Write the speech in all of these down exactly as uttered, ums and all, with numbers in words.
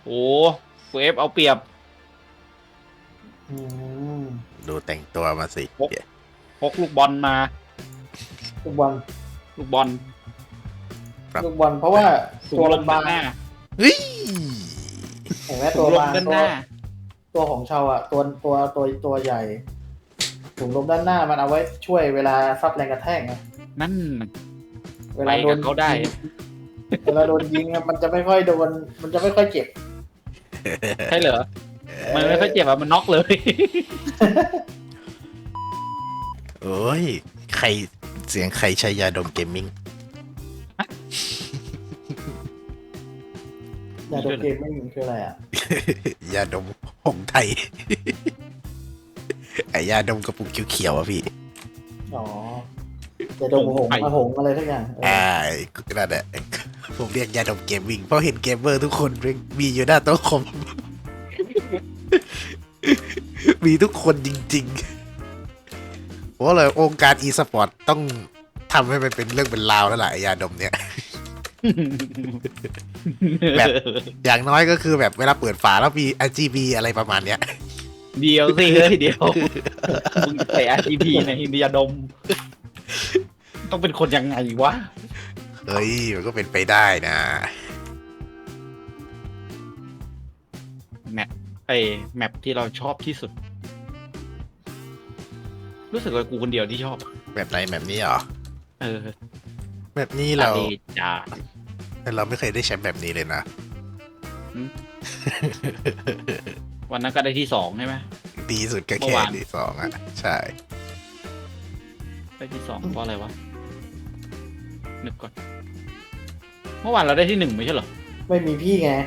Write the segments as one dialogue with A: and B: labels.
A: โอ้เวฟเอาเปรียบ
B: อืม
C: ดูแต่งตัวมาสิ
A: พก พกลูกบอลมา
B: ลูกบอล
A: ลูกบอล
B: ลูกบอลเพราะว่า
A: ถุง
B: ตัว
A: ล
B: มั
A: ม
B: น
A: ด้า
B: บาน ง
A: หน้า
C: เฮ้ย
B: เห็นไหม
A: ถุ
B: ตัว
A: งลม
B: บาง
A: ด้าน
B: ตั
A: ห
B: ว
A: น้า
B: ตัวของชาวอ่ะตัวตัวตัวตัวใหญ่ถุงลมด้านหน้ามันเอาไว้ช่วยเวลาซับแรงกระแทกไง
A: นั่น
B: เว
A: ไป
B: ลาโด
A: กัน บเขาได้
B: เวลาโดนยิงอะมันจะไม่ค่อยโดน มันจะไม่ค่อยเจ็บ
A: ใช่เหรอ มันไม่ค่อยเจ็บอะมันน็อกเลย
C: โอ้ยใครเสียงใครใช้ยาดมเกมมิ่ง
B: ยาโดนเกมไม่มีคืออะไรอ่ะ
C: ยาดมหงไทย ไอยาดมกระปุกเขียวๆอ่ะพี่
B: อ๋อจะโดนหงมาหงอะไรทุกอย่างเออ
C: อ่านั่นแหละผมเรียกยาดมเกมมิ่งเพราะเห็นเกมเมอร์ทุกคนมีอยู่หน้าโต๊ะคอม มีทุกคนจริงๆเพราะเลยองค์การอีสปอร์ตต้องทำให้มันเป็นเรื่องเป็นราวแล้วล่ะไอ้ยาดมเนี่ย แบบ อย่างน้อยก็คือแบบเวลาเปิดฝาแล้วมี อาร์ จี บี อะไรประมาณเนี้ย
A: เดียวสิเฮ้ยเดียวมึงใส่ อาร์ จี พี ในเดียดม ต้องเป็นคนยังไงวะ
C: เฮ้ย มันก็เป็นไปได้นะ
A: แมปไอแมปที่เราชอบที่สุด รู้สึกว่ากูคนเดียวที่ชอบ
C: แบบไหนแบบนี้เหรอ
A: เออ
C: แบบนี้เรา
A: ทะลจ้า
C: เราไม่เคยได้แชมป์แบบนี้เลยนะ
A: วันนั้นก็ได้ที่สองใช่ไหม
C: ดีสุดก็
A: เมื่
C: แค่
A: อวาน
C: ที่สองอ่ะ ใช่
A: ได้ที่สองเพราะอะไรวะ นึกก่อน เมื่อวานเราได้ที่หนึ่งไม่ใช่เหรอ
B: ไม่มีพี่ไง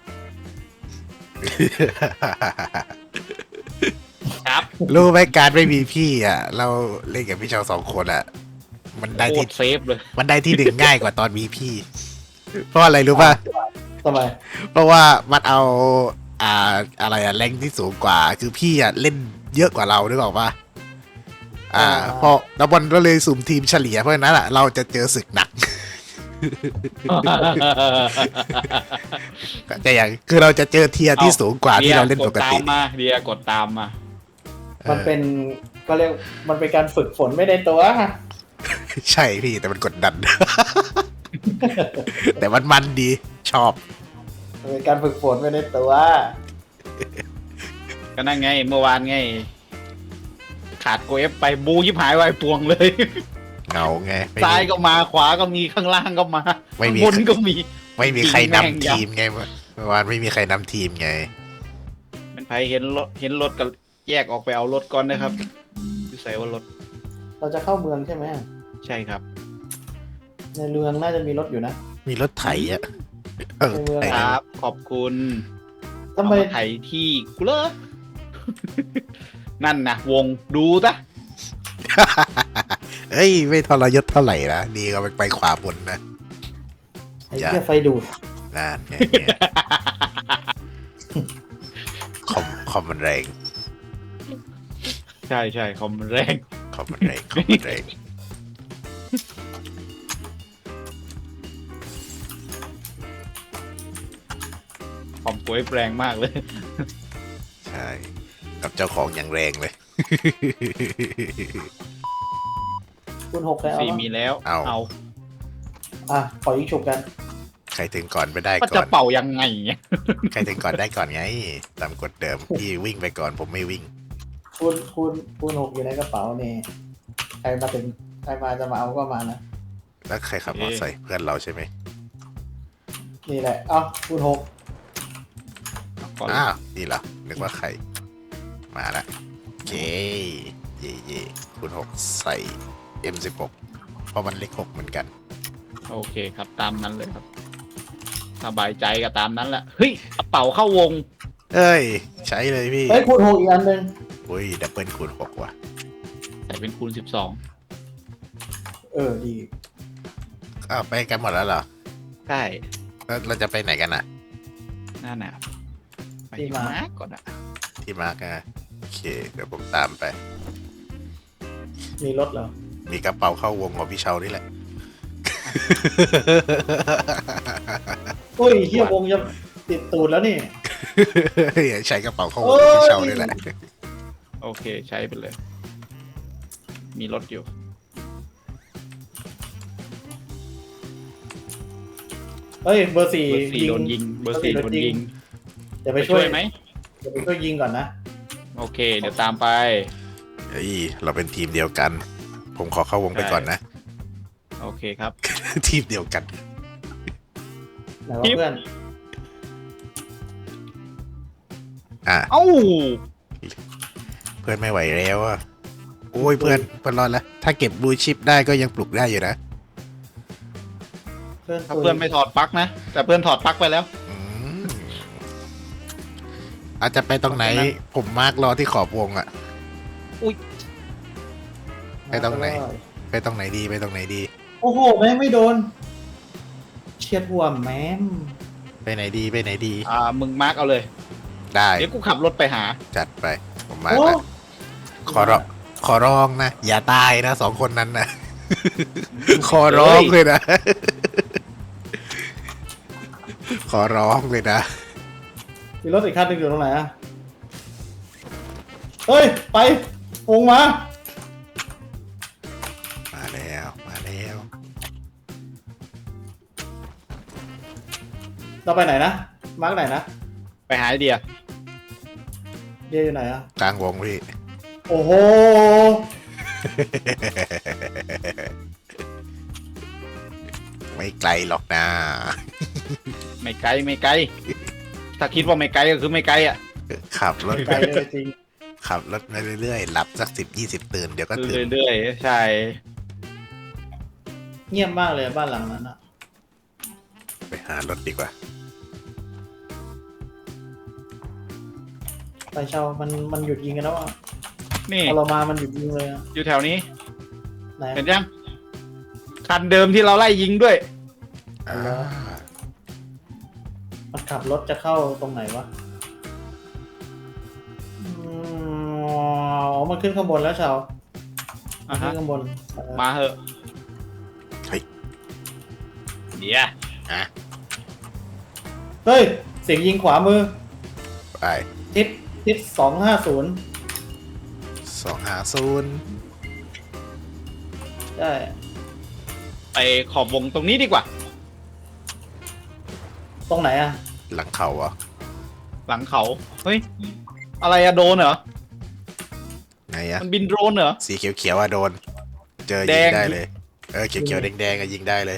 A: ครับ
C: รู้ไหมการไม่มีพี่อ่ะ เราเล่นกับพี่เชาวสองคนอ่ะ มันได้
A: โค
C: ที่
A: ตรเซฟเลย
C: มันได้ที่หนึ่งง่ายกว่าตอนมีพี่ เพราะอะไรรู้ป่ะ
B: ทำไม
C: เพราะว่ามันเอา อ่าอะไรอะแรงที่สูงกว่า คือพี่อะเล่นเยอะกว่าเรานึกออกป่ะอ่าพอแล้วบอลก็เลยสุ่มทีมเฉลี่ยเพราะฉะนั้นอะเราจะเจอศึกหนัก แต่อย่างคือเราจะเจอเทียร์ที่สูงกว่าที่เราเล่นปกติ
A: เดียดตามมาเดียกดตามมา
B: มันเป็นก็เรียกมันเป็นการฝึกฝนไม่ได้ตัว
C: ใช่พี่แต่มันกดดัน แต่มันมันดีชอบ
B: มันเป็นการฝึกฝนไม่ได้ตัว
A: ก็นั่นไงเมื่อวานไง ขาดโกเอฟไปบูยิบหายไวปวงเลย
C: เงาไงไม่
A: ซ้าย
C: มี
A: ก็มาขวาก็มีข้างล่างก็มา
C: ไม่มี
A: ข้างบนก็มี
C: ไม่มีใคร
A: จริงแม่ง
C: นำทีมไงเมื่อวานไม่มีใครนำทีมไง
A: เป็นไผเห็นรถเห็นรถก็แยกออกไปเอารถก่อนนะครับอยู่ใส่ว่ารถ
B: เราจะเข้าเมืองใช่ไหม
A: ใช่ครับ
B: ในเมืองน่าจะมีรถอยู่นะ
C: มีรถไถอ่ะเออ
B: ในเมือง
C: ไถ
A: ครับ ขอบคุณ
B: ทำไม
A: เอาาไถที่กูเลอ นั่นนะวงดูซะ
C: เอ้ยไม่ทรยศเท่าไหร่นะดีก็ไปไปขวาบนนะ
B: ไอ้เหี้ยไฟดูด
C: นั่นไงเนี่ยคอมคอมมันแรง
A: ใช่ใช่คอมแรง
C: คอมมันแรงคอมมันแรง
A: คอมป่วยแรงมากเลย
C: ใช่กับเจ้าของอย่างแรงเลย
B: คุณหกแล้ว
A: สี่มีแล้ว
C: เอา
A: เอา
B: อ่ะขอยิงฉุบกัน
C: ใครถึงก่อนไปได้
A: ก็
C: ก่
A: จะ
C: อน
A: เป่ายังไงเนี่ย
C: ใครถึงก่อนได้ก่อนไงตามกฎเดิมพี่วิ่งไปก่อนผมไม่วิ่ง
B: คุณคุณคุณหกอยู่ในกระเป๋านี่ใครมาถึงใครมาจะมาเอาก็มานะ
C: แล้วใครขับมอเตอร์ไซค์เพื่อนเราใช่ไหม
B: นี่แหละเอ้าคุณหก
A: ก่อน
C: อ้าวนี่เหรอนึกว่าใครมาละโอเคเย่เย่คุณหกใส่ เอ็ม สิบหก เพราะมันเลขหกเหมือนกัน
A: โอเคครับตามนั้นเลยครับสบายใจก็ตามนั้นแหละเฮ้ยกระเป๋าเข้าวง
C: เอ้ย ใช้เลยพี่
B: เฮ้ยคุณหกอีกอันหนึ่ง
C: อุ้ยดับเบิลคูณหกว่ะ
A: ใส่เป็นคูณสิบสอง
B: เออดี
C: อ้าวไปกันหมดแล้วเหรอ
A: ใช่
C: แล้วเราจะไปไหนกันอ่ะ
A: หน้าหนาวไปที่มาร์กก่อนอะ
C: ที่มาร์กนะโอเค เดี๋ยวผมตามไป
B: มีรถเหรอ
C: มีกระเป๋าเข้าวงของพี่เชานี่แหละ
B: อุ้ยเฮียวงจะติดตูดแล้วนี่
C: ใช้กระเป๋าข้อ
B: โอ้
C: มูล
B: ย
C: ที่เช่าด้วยแหละ
A: โอเคใช้ไปเลย มีรถอยู่
B: เฮ้ยเบอร์สี่
A: เบอร์สี่โดนยิง เบอร์สี่โดนยิง
B: เดี๋ยวไป
A: ไป
B: ช่
A: ช่
B: ว
A: วย ยไหม
B: เดี๋ยวไปช่วยยิงก่อนนะ
A: โอเค เดี๋ยวตามไป
C: เฮ้ยเราเป็นทีมเดียวกัน ผมขอเข้าวงไปก่อนนะ
A: โอเคครับ
C: ทีมเดียวกัน
B: ไหนวะเพื่อน
C: อ่ะ
A: เอ้า
C: เพื่อนไม่ไหวแล้วอ่ะโอ้ยเพื่อนเพื่อนรอดแล้ว ถ้าเก็บบลูชิปได้ก็ยังปลุกได้อยู่นะ
B: เพื่อน
A: ถ้าเพื่อนไม่ถอดปลั๊กนะ แต่เพื่อนถอดปลั๊กไปแล้ว
C: อืมอาจจะไปตรงไหน ผมมาร์กรอที่ขอบวงอ่ะ ไปตรงไหน ไปตรงไหนดีไปตรงไหนดี
B: โอ้โหแม่งไม่โดน เฉียดหัวแม่ม
C: ไปไหนดีไปไหนดี
A: อ่า มึงมาร์กเอาเลย
C: ได้
A: เดี๋ยวกูขับรถไปหา
C: จัดไป ผมมาร์ก
B: โอ้
C: แล้วขอร้องขอร้องนะ อย่าตายนะสองคนนั้นนะ ขอร้องเลยนะ ขอร้องเลยนะ
B: มีรถอีกคันหนึงอยู่ตรงไหนอะเฮ้ย ไปวงมา
C: มาแล้วมาแล้ว
B: เราไปไหนนะ มาร์กไหนนะ
A: ไปหาไอเดีย
B: เดียอยู่ไหนอะ
C: กลางวงพี่
B: โอ้โห
C: ไม่ไกลหรอกนะ
A: ไม่ไกลไม่ไกล ถ้าคิดว่าไม่ไกลก็คือไม่ไกลอ่ะ
C: ขับรถ
B: ไกลเลยจริง
C: ขับรถไปเรื่อยๆหลับสักสิบยี่สิบตื่นเดี๋ยวก็ตื่น
A: เรื่อยๆ ใช่
B: เงียบมากเลยบ้านหลังนั้นอะ
C: ไปหารถดีกว่า
B: ไปเช่ามันมันหยุดยิงกันแล้วอะ
A: นี่
B: พอเรามามันหยุดยิงเลยอะ
A: อยู่แถวนี้
B: ไหน
A: เห็นยัง คันเดิมที่เราไล่ยิงด้วย
C: อ่า
B: มันขับรถจะเข้าตรงไหนวะอืมอ๋อมันขึ้นข้างบนแล้วชาว
A: อ่ะ
B: ขึ้
A: ฮะ
B: นข้างบนเออ
A: มาเหอะ
C: เฮ้ย
A: เดี๋ยว
C: อ่ะ
B: เฮ้ย เสียงยิงขวามือ
C: ไป
B: ทิศทิศสองห้าศูนย์
C: สองหาศูนย์
B: ได้
A: ไปขอบวงตรงนี้ดีกว่า
B: ตรงไหนอะ
C: หลังเขาอ่ะ
A: หลังเขา เฮ้ย อะไรอะโดนเหรอ
C: ไงอ่ะ
A: มันบินโดรนเหรอ
C: สีเขียวๆอ่ะโดน เจอ
A: แด
C: ยิง
A: ง
C: ได้เลย เออเขียวๆแดงๆอ่ะยิงได้เลย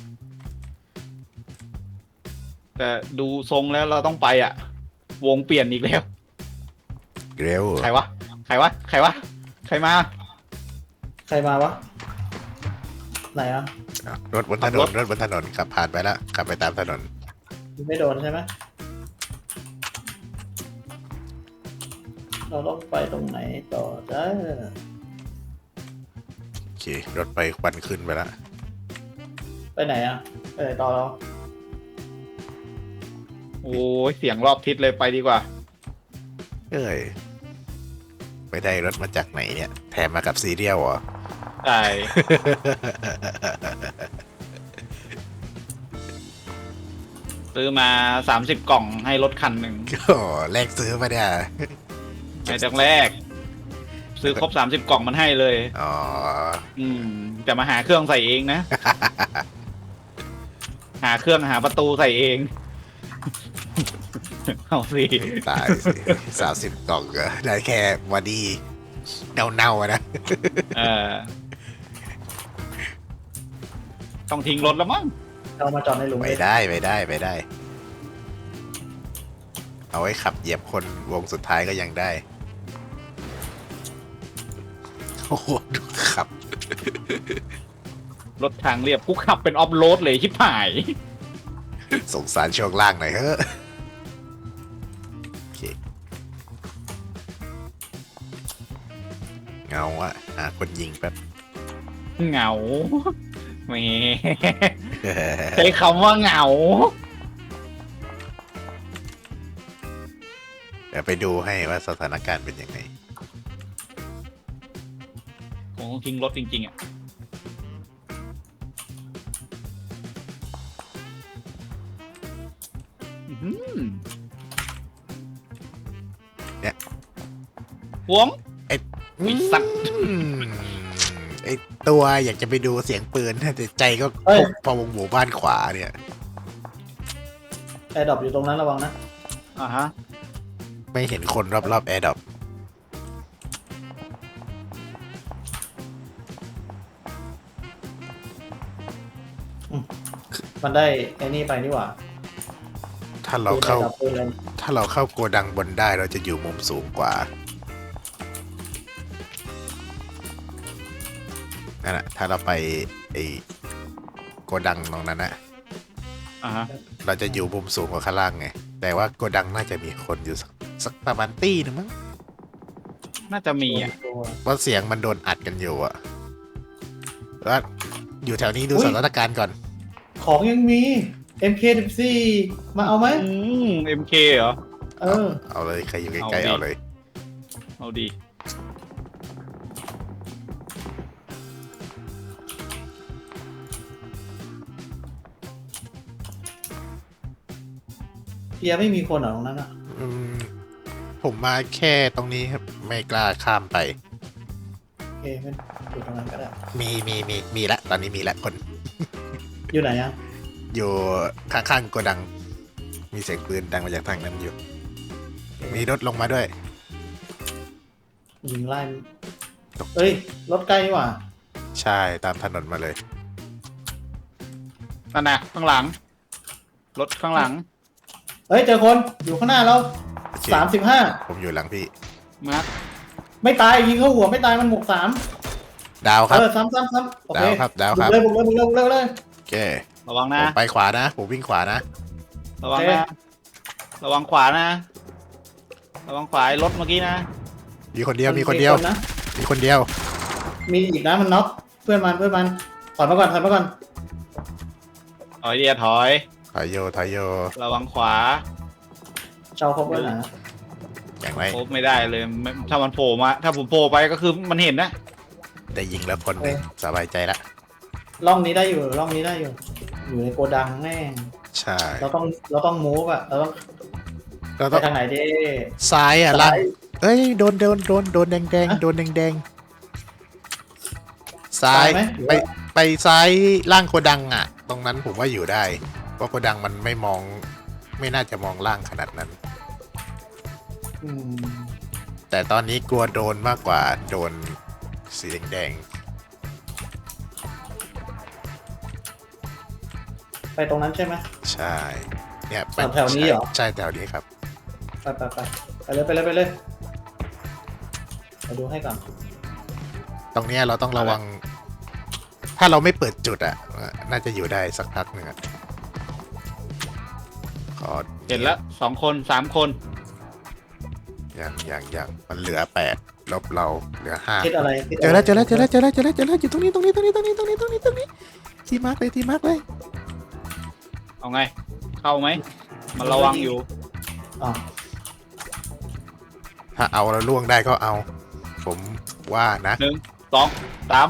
A: แต่ดูทรงแล้วเราต้องไปอ่ะ วงเปลี่ยนอีกแล้ว
C: เร็ว
A: ใครวะ ใครวะ ใครวะ ใครมา
B: ใครมาวะ ไหนอะ
C: อ่ะรถบนถน
A: ขับร
C: น
A: ถ
C: รถบนถนนขับผ่านไปแล้วขับไปตามถนน
B: ไม่โดนใช่ไหมเราต้องไปตรงไหนต่อได้
C: โอเค รถไปควันขึ้นไปแล้ว
B: ไปไหนอะไปไหนต่อเรา
A: โอ้ยเสียงรอบทิศเลยไปดีกว่า
C: เอ้ย ไปได้รถมาจากไหนเนี่ย แถมมากับซีเรียลเหรอ
A: ใช่ ซื้อมาสามสิบกล่องให้รถคันหนึ่ง
C: โอ้แลกซื้อมาเนี่ย
A: ในจังแรก ซื้อครบสามสิบกล่องมันให้เลย
C: อ๋อ
A: อืมจะมาหาเครื่องใส่เองนะ หาเครื่องหาประตูใส่เอง เอาสิ
C: ตายสิสามสิบกล่องก็ได้แค่บอดี้เน่าๆอะนะ
A: เออต้องทิ้งรถแล้วมั้ง
B: เรามาจอดในหลุม
C: ไป
B: เลย
C: ได้ไปได้ไปได้ เอาไว้ขับเหยียบคนวงสุดท้ายก็ยังได้ โอ้โหดูขับ
A: รถทางเรียบกูขับเป็นออฟโรดเลยชิบหาย
C: สงสารช่วงล่างหน่อยเฮ้อะโอเคเงาอะหาคนยิงแป๊บ
A: เหงาแหมใช้คำว่าเหงา
C: เดี๋ยวไปดูให้ว่าสถานการณ์เป็นยังไง
A: คงต้องทิ้งรถจริงๆอ่ะอื้อหือ
C: เนี่ย
A: หวง
C: ไอ้
A: ไอ้สัตว์
C: อืมไอ้ตัวอยากจะไปดูเสียงปืนแต่ใจก็
B: เฮ้ย
C: พอวงหมู่บ้านขวาเนี่ย
B: แอร์ดรอปอยู่ตรงนั้นระวังนะ
A: อ่าฮะ
C: ไม่เห็นคนรอบๆแอร์ดรอป
B: มันได้ไอ้นี่ไปนี่หว่า
C: ถ้าเราเข้า
B: ปืนระดับปืนอะไร
C: ถ้าเราเข้าโกดังบนได้เราจะอยู่มุมสูงกว่านั่นแหละถ้าเราไปไอโกดังตรงนั้นนะ
A: อ่าฮะ
C: เราจะอยู่มุมสูงกว่าข้างล่างไงแต่ว่าโกดังน่าจะมีคนอยู่สักสักประมาณตี้หนึงมั้ง
A: น่าจะมีอ่ะ
B: ตัว
C: เพราะเสียงมันโดนอัดกันอยู่อะแล้วอยู่แถวนี้ดู
B: อุ๊ย
C: สถานการณ์ก่อน
B: ของยังมี เอ็ม เค สิบสี่ มาเอาไหม
A: อืม เอ็ม เค เหรอ
B: เออ
C: เอาเลยใครอยู่ใกล้ๆ
A: เอาดิ
C: เอาเลย
A: เอาดี
B: เพียไม่มีคนเหรอตรงนั้นอ่ะ
C: อืมผมมาแค่ตรงนี้ครับไม่กล้าข้ามไป
B: โอเคไม่อยู่ตรงนั้นก็ได้
C: มีมีมีมีละตอนนี้มีละคน
B: อยู่ไหนอ่ะ
C: อยู่ข้างๆโกดัง มีเสียงปืนดังมาจากทางนั้นอยู่ มีรถลงมาด้วย
B: ยิงไล่เอ้ย รถใกล้นี่หว่า
C: ใช่ตามถนนมาเลย
A: นั่นนะข้างหลัง รถข้างหลัง
B: เฮ้ย เจอคนอยู่ข้างหน้าเรา
C: โอเค
B: สามสิบห้า
C: ผมอยู่หลังพี่
A: มาร์ค
B: ไม่ตายยิงเข้าหัวไม่ตายมันหมกสาม
C: ดาวครับ
B: เออซ้ำซ้ำซ้ำโอเค
C: ดาวครับดาวครับ
B: บุกเลยบุกเลยบุกเลยบุกเลย
C: โอเค
A: ระวัง
C: ผ
A: นะ
C: มไปขวานะ ผมวิ่งขวานะ
A: ระวัง
B: โอเค
A: นะ ระวังขวานะ ระวังขวาไอ้รถเมื่อกี้นะ
C: มีคนเดียวมีคนเดียว
B: นะ
C: มีคนเดียว
B: มีอีกนะมันน็อกเพื่อนมันเพื่อนมันถอยมาก่อนถอยมาก่อน
A: ถอยเดียถอย
C: ถอยโยถอยโย
A: ระวังขวา
B: เจ้าเขาเพื่อนนะ
C: อย่างไร
A: โคบไม่ได้เลยไม่ถ้ามันโผล่มา ถ้าผมโผล่ไปก็คือมันเห็นนะ
C: ได้ยิงแล้วคนหนึ่งสบายใจละ
B: ร่องนี้ได้อยู่ร่องนี้ได้อยู่ อยู่ในโกดังแม่ง
C: ใช่
B: เราต้องเราต้องมูฟอะเราต้อง
C: เรา
B: ไป
C: ต้อง
B: ทางไหนดี
C: ซ้ายอ่ะล่าง
B: ซ้าย
C: เอ้ยโดนโดนโดนโดนแดงแดง
B: ฮะ
C: โดนแดงแดงซ้าย
B: ซ้ายไหมหรือ
C: ไป
B: ว่า
C: ไปซ้ายล่างโกดังอ่ะ ตรงนั้นผมว่าอยู่ได้ เพราะโกดังมันไม่มอง ไม่น่าจะมองล่างขนาดนั้น
B: อืม
C: แต่ตอนนี้กลัวโดนมากกว่าโดนสีแดง
B: ไปตรงนั้นใช่ไหม
C: ๆใช่ เนี่ยไป
B: แถวนี้เหรอ
C: ใช่แถวนี้ครับ
B: ไปไปไปไปเลยไปเลยไปเลยไปดูให้ก่อน
C: ตรงเนี้ยเราต้องระวัง ถ้าเราไม่เปิดจุดอ่ะ น่าจะอยู่ได้สักพักหนึ่งอะขอ
A: เห็นแล้วสองคนสามคน
C: อย่างอย่างอย่างมันเหลือแปดลบเราเหลือห้า
B: คิดอะไรคิดะ
C: เจ
B: ไร
C: อแล้วเจอแล้วเจอแล้วเจอแล้วเจอแล้วเจอแล้วอยู่ตรงนี้ตรงนี้ตรงนี้ตรงนี้ตรงนี้ตรงนี้ตรงนี้ที่มาร์กเลยที่มาร์กเลย
A: เอาไง เข้าไหม มันระวังอยู่
B: อ๋อ
C: ถ้าเอาแล้วล่วงได้ก็เอา ผมว่านะ
A: หนึ่งสองสาม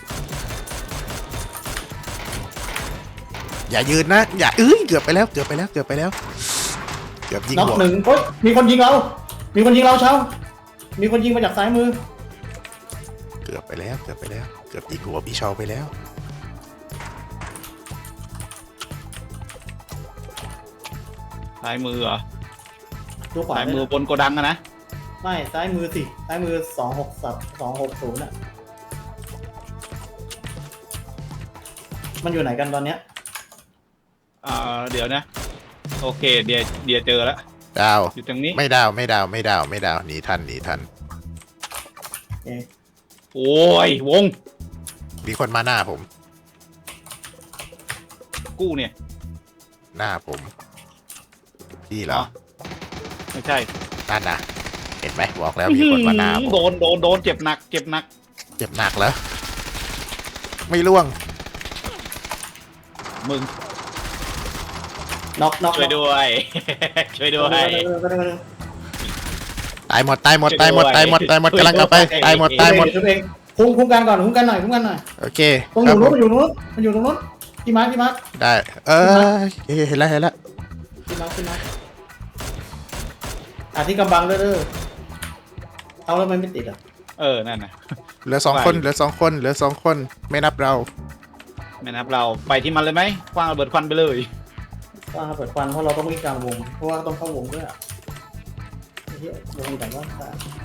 C: อย่ายืนนะ อย่าเอ้ยเกือบไปแล้วเกือบไปแล้วเกือบไปแล้ว เกือบยิง
B: น็อก
C: หัว
B: หนึ่งเฮ้ยมีคนยิงเรา มีคนยิงเราเช้ามีคนยิงมาจากซ้ายมือ
C: เกือบไปแล้วเกือบไปแล้ว เกือบยิงหัวพี่เชาไปแล้ว
A: ซ้ายมือเหรอ
B: ดูขวา
A: ซ้าย
B: ได้
A: มือ
B: นะ
A: บนโกดังอะนะ
B: ไม่ซ้ายมือสิซ้ายมือสองหกสับสองหกศูนย์อะมันอยู่ไหนกันตอนเนี้ย
A: อ่า เดี๋ยวนะ โอเค เดี๋ยวเดี๋ยวเจอแล้ว
C: ดาว
A: อยู่ตรงนี้
C: ไม่ดาวไม่ดาวไม่ดาวไม่ดาวหนีทันหนีทัน
B: เอ๊ะ
A: โอ้ยวง
C: มีคนมาหน้าผม
A: กู้เนี่ย
C: หน้าผม พี่เหรอ
A: ไม่ใช่
C: นั่นนะเห็นไหมบอกแล้วมีคนมาหน้าผม
A: โดนโดนโดนเจ็บหนัก เจ็บหนัก
C: เจ็บหนักแล้ว ไม่ล่วง
A: มึง
B: น็อกน็อก
A: ช่วยด้วย ช่วยด้วย
C: ตายหมดตายหมดตายหมดตายหมดตายหมดกำลังกลับไปตายหมดตายหมด
B: ช่วยเองคุ้มคุ้มกันก่อนคุ้มกันหน่อยคุ้มกันหน่อย
C: โอเค
B: ตรง
C: ค
B: อ
C: รับ
B: ยู่
C: ผ
B: นู้น
C: ม
B: มันอยู่นู้นมันอยู่ตรงนู้นพี่มาร์คพี่มาร์ค
C: ได้ เออเห็นแล้วเห็นแล้ว
B: ขึ้นมาขึ้นมาอ่ะที่กำบังเด้อเด้อเอาแล้วมันไม่ติดอ่ะ
A: เออนั่นนะ
C: เหลือสองคนเหลือสองคนเหลือสองคนไม่นับเรา
A: ไม่นับเราไปที่มันเลยไหมคว้างระเบิดควันไปเลย
B: ว่าเปิดควันเพราะเราต้องวิ่งกลางวงเพราะว่าต้องเข้าวงด้วยอ่ะไอ้เหี้ยวงแต่ว่า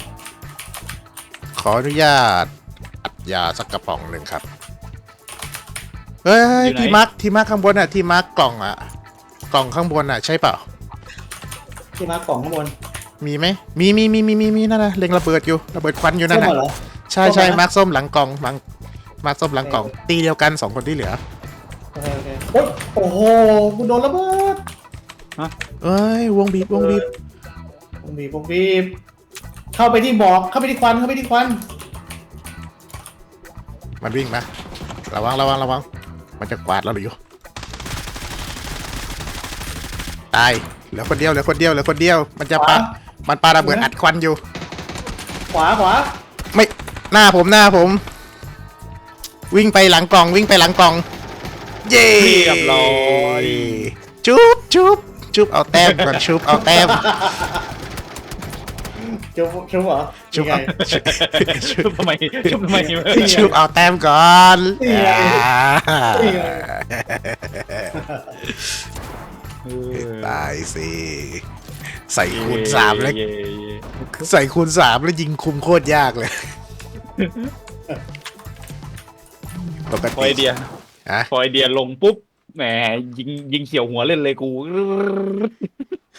C: ขออนุญาตอัดยาสักกระป๋องหนึ่งครับเฮ้ยที่มาร์คที่มาร์คข้างบนอ่ะที่มาร์คกล่องอ่ะกล่องข้างบนอ่ะใช่เปล่า
B: ที่มาร์คกล่องข้างบน
C: มีไหมมีมีมีมีมีมีนั่นนะเล็งระเบิดอยู่ระเบิดควันอยู่นั่น
B: ส้ม
C: น่ะ
B: เหรอ
C: ใช่ใช่
B: ส้มไหม
C: มาร์คส้มหลังกล่องมาร์คมาร์คส้มหลังกล่อง ตีเดียวกันสองคนที่เหลือ
B: โอเคโอเคโอ๊ยโอ้โหกูโดนระเบิด
C: เอ้ยวงบีบวงบีบ
B: ผมบีบผมบีบเข้าไปที่หมอกเข้าไปที่ควันเข้าไปที่ควัน
C: มันวิ่งมาระวังระวังระวังมันจะกวาดเราหรืออยู่ตายเหลือคนเดียวเหลือคนเดียวเหลือคนเดียว มันจะปามันปาระเบิดอัดควันอยู่
B: ขวาขวา
C: ไม่หน้าผมหน้าผม วิ่งไปหลังกล่องวิ่งไปหลังกล่อง เย้
A: เรียบร้อย
C: ชุบชุบชุบเอาแต้มก่อนชุบเอาแต้ม
B: ชุบชุบเหรอ
C: ชุบ
B: ยังไง
A: ชุบทำไมชุบทำไม
C: ชุบเอาแต้มก่อน
B: นี่ไง นี่ไง
A: เออ
C: ตายสิใส่คูณสามแล้ว
A: เย่เย่
C: ใส่คูณสามแล้วยิงคุมโคตรยากเลยปก
A: พอไอ
C: ติ
A: เดีย
C: ฮะ
A: พอไอเดียลงปุ๊บแหมยิงยิงเขียวหัวเล่นเลยกู